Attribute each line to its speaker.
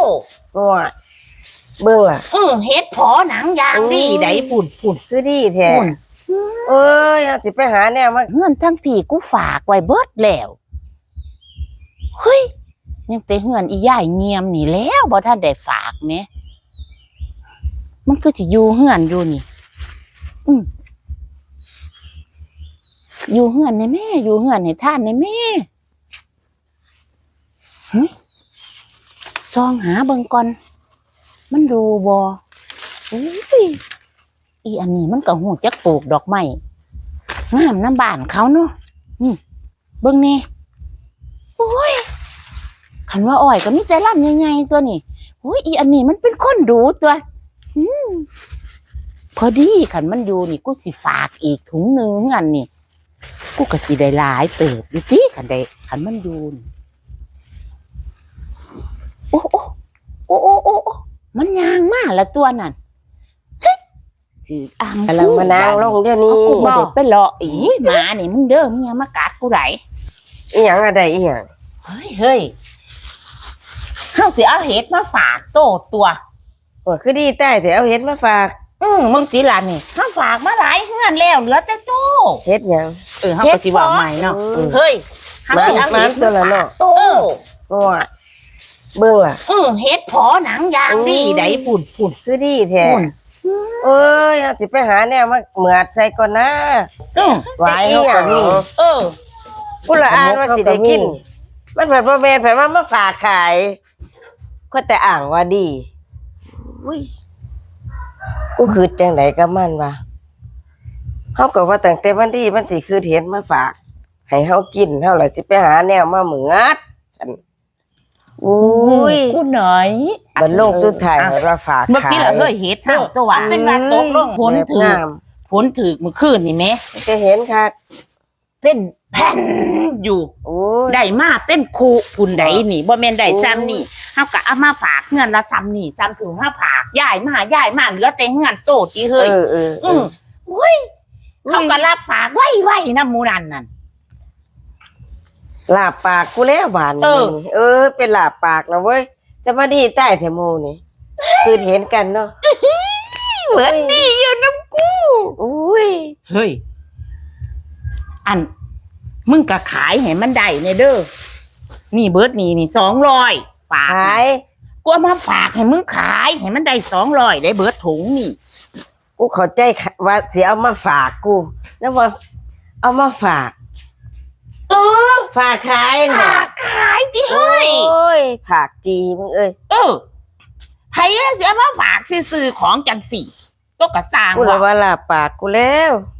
Speaker 1: ว่าเบิ่งล่ะ
Speaker 2: เฮ็ดพอหนังยางดีได้ปุ่น
Speaker 1: คือดีแท้เอ้ยสิไปหาแนวมา
Speaker 2: เงินทั้งพี่กูฝากไว้เบิดแล้วเฮ้ยยังแต่เงินอีย่ายเงียมนี่แล้วบ่ทันได้ฝากแหมมันคือสิอยู่เฮือนอยู่นี่อยู่เฮือนในแม่อยู่เฮือนในท่านในแม่เฮ้ยซองหาเบิ่งก่อนมันดูบ่อีอันนี้มันก็หูจักปลูกดอกไม้งามน้ำบ้านเขาเนาะนี่เบิ่งนี่โอ้ยคันว่าอ้อยก็มีแต่ลำใหญ่ๆตัวนี่โอ้ยอีอันนี้มันเป็นคนดูตัวพอดีคันมันอยู่นี่กูสิฝากอีกถุงนึงอันนี่กูก็สิได้หลายเติบอยู่ติคันมันอยู่โอ้มันยางมากละตัวนั่นถืออ้ำ
Speaker 1: กำลังมานางลงเดี๋ยวนี้
Speaker 2: กูบ่ได้ไปเลาะอีหมานี่มึงเด้อมึงอย่ามากัดกูได้
Speaker 1: อีหยังอะไรอีหยัง
Speaker 2: เฮ้ยเฮาสิเอาเห็ดมาฝากโตตัว
Speaker 1: คือดีใต้แต่เอาเห็ดมาฝาก
Speaker 2: มึงสิล่ะนี่เฮาฝากมาหลายเฮือนแล้วเหลือแต่โต
Speaker 1: เห็ดหยัง
Speaker 2: เฮาก็สิว่าใหม่เนาะเฮ้ย
Speaker 1: เฮาสิเอาเห็ดตัวละเนาะ
Speaker 2: โต
Speaker 1: ว่าเบิ่งล่ะ
Speaker 2: เฮ็ดพอหนังยางดีได้ปุ่น
Speaker 1: คือดีแท้เอ้ยสิไปหาแนวมาเหมือดใส่ก่อนนะ
Speaker 2: ไว้เฮาก็มี
Speaker 1: ผู้ละอ่านว่าสิได้กินมันเพิ่นบ่แม่นเพิ่นว่ามาฝากขายก็แต่อ่างว่าดีกูคือจังไดกับมันวะเฮาก็ว่าตั้งแต่วันดีมันสิคือเห็นมาฝากให้เฮากินเฮาล่ะสิไปหาแนวมาเหมือด
Speaker 2: กูหน่อย
Speaker 1: บัดโลกสุดท้ายว่าฝากขาย
Speaker 2: เมื่อกี้ล่ะเฮ้ยเฮ็ดตัวว่าเป็นว่าตกลงผลถึกเมื่อคืนนี่แม่
Speaker 1: จะเห็นค่ะ
Speaker 2: เป็นแผ่นอยู่ได้มาเป็นคูพุ่นใดนี่บ่แม่นได้ซ้ำนี่เฮาก็เอามาฝากเงินละซ้ำนี่ซ้ำถึงเฮาฝากย้ายมาเหลือแต่เงินโตติเฮ้ยอุ้ยเขาก็รับฝากไว้นำหมู่นั่น
Speaker 1: ลาบปากกูแล้วหวานเป็นลาบปากแล้วเว้ยจะมาดีใต้แถวหมู่นี่คือเห็นกันเนาะ
Speaker 2: เหมือนดีอยู่น้ำกูเฮ้ยอันมึงก็ขายให้มันได้เนี่ยเด้อนี่เบิร์ดนี่200ฝาก
Speaker 1: ขาย
Speaker 2: กูเอามาฝากให้มึงขายให้มันได้200ได้เบิร์ดถุงนี่
Speaker 1: กูเข้าใจว่าสิเอามาฝากกูแล้วว่าเอามาฝากฝากขาย
Speaker 2: ดิเฮ้ย
Speaker 1: ฝากจีมึง
Speaker 2: ไผจะมาฝากซื้อของจังสี่ก็กระสร้าง
Speaker 1: กูเลยว่าลาปากกูแล้ว